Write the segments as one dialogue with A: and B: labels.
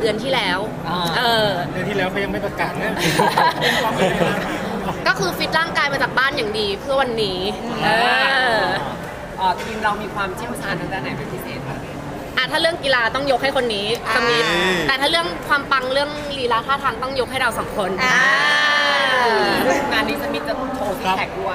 A: เดือนที่แล้ว
B: เดือนที่แล้วเขายังไม่ประกาศนะ
A: ก็คือฟิตร่างกายมาจากบ้านอย่างดีเพื่อวันนี้
C: ทีมเรามีความเชี่ยวชาญทางด้านไหนเป็นพิเศษคะ
A: ถ้าเรื่องกีฬาต้องยกให้คนนี้สมิธแต่ถ้าเรื่องความปังเรื่องลีลาท่าทางต้องยกให้เราสองคน
C: งานนี้สมิธจะโชว์ซิกแพคด้วย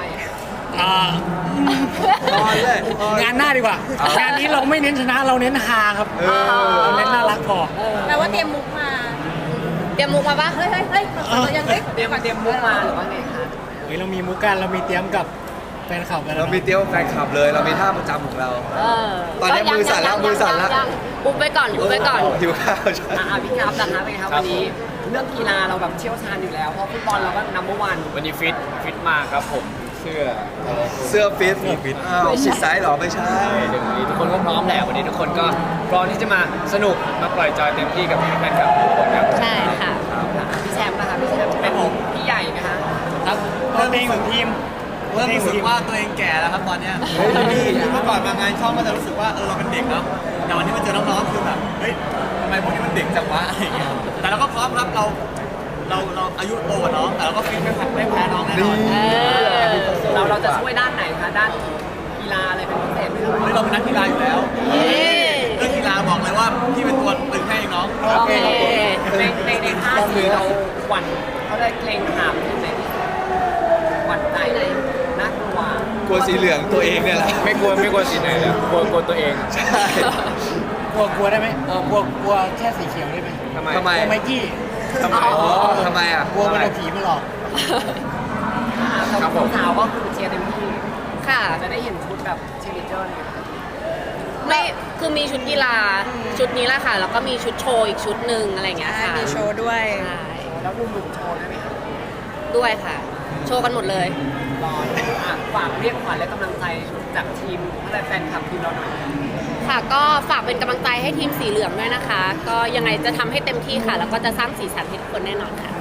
B: งานหน้าดีกว่า งานนี้เราไม่เน้นชนะเราเน้นฮาครับเราเน้นน่ารักพอ
D: แปลว่าเตรียมมุกมาปะเฮ้ยเรายัง
C: เตรียมมุกมาหรือว่าไงคะ
B: เรามีมุกกันเรามีเตรียมกับแฟนคลับกัน
E: เรามีเตรียมแฟนคลับเลยเรามีท่าประจำของเราตอนนี้มือสั่นแล้ว
A: อุบไปก่อน
E: หิวข้าวใช่
C: พี่ครับนะคะเป็นไงครับวันนี้เรื่องกีฬาเราแบบเชี่ยวชาญอยู่แล้วเพราะฟุตบอลเราก็นัมเบอร์วัน
F: วันนี้ฟิตมากครับผมเ
E: สื้อฟิตชิดซ้ายหรอไม่ใช่
F: เดี๋ยววันนี้ทุกคนก็พร้อมแหละวันนี้ทุกคนก็พร้อมที่จะมาสนุกมาปล่อยจอยเต็มที่กับแฟนคลับทุกคนครับ
A: ใช่ค่ะ
C: พี่แชมป์นะคะพี่แชมป์เป็นพี่ใหญ่ไหมคะ
B: ครับตัวเองของทีม
G: เริ่มรู้สึกว่าตัวเองแก่แล้วครับตอนเนี้ยเมื่อก่อนมางานช่องก็จะรู้สึกว่าเราเป็นเด็กเนาะแต่วันนี้มาเจอน้องๆคือแบบเฮ้ยทำไมพวกนี้มันเด็กจังวะอะไรอย่างเงี้ยแต่เราก็พร้อมครับเราอายุโตกว่าน้องแต่เราก็ฟิตไม่แพ้น้องแน่นอน
C: เราจะช่วยด้านไหนคะด้านกีฬาอะไรเป็นพิเศษไหมครับ
G: เราเป็นนักกีฬาอยู่แล้วเรื่องกีฬาบอกเลยว่าพี่เป็นตัวตึงให้น้อง
C: โอเคในท่าทีเราหวั่นเขาเลยเกรงขามที่ไหนหวั่นใจเลยน่าก
E: ลัวสีเหลืองตัวเองเนี่ยแหละ
F: ไม่กลัวสีไหนเลยกลัวตัวเอง
E: ใช่
B: กลัวได้ไหมกลัวแค่สีเขียวได้ไหม
E: ทำไม
B: กลัวไมกี้
E: ทำไม
B: กลัวมันเอาผีมาหลอก
C: ครับผมสาวก็คือเชียร์เต็มที่
A: ค่ะ
C: จะได้เห็นชุดแบบเชียร์ลีดเดอร์
A: ไม่คือมีชุดกีฬาชุดนี้แหละค่ะแล้วก็มีชุดโชว์อีกชุดหนึ่งอะไรเงี้ยค่ะ
D: มีโชว์ด้วย
C: แล้วดูหนุ่มโชว์ได้ไหมคะ
A: ด้วยค่ะโชว์กันหมดเลย
C: รอฝากเรียกขวัญและกำลังใจจากทีมและแฟนคลับทีมเราหน่อย
A: ค่ะก็ฝากเป็นกำลังใจให้ทีมสีเหลืองด้วยนะคะก็ยังไงจะทำให้เต็มที่ค่ะแล้วก็จะสร้างสีสันให้ทุกคนแน่นอนค่ะ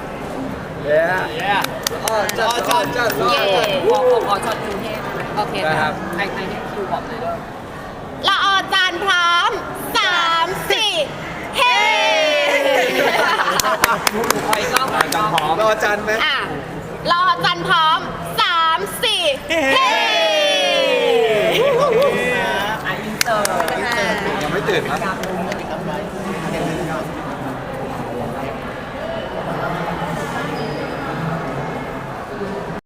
E: จัด
C: ขอช็อตกรุงเทพ
A: โอเคค่ะ
C: ใครให้คิวบอกเลย
A: ละอจานพร้อม3 4เฮ้
C: คอยก็
E: พร้อมรอจันไหม
A: รอจันพร้อม3 4เฮ้
C: อินเตอร์
E: ยังไม่ตื่นครับ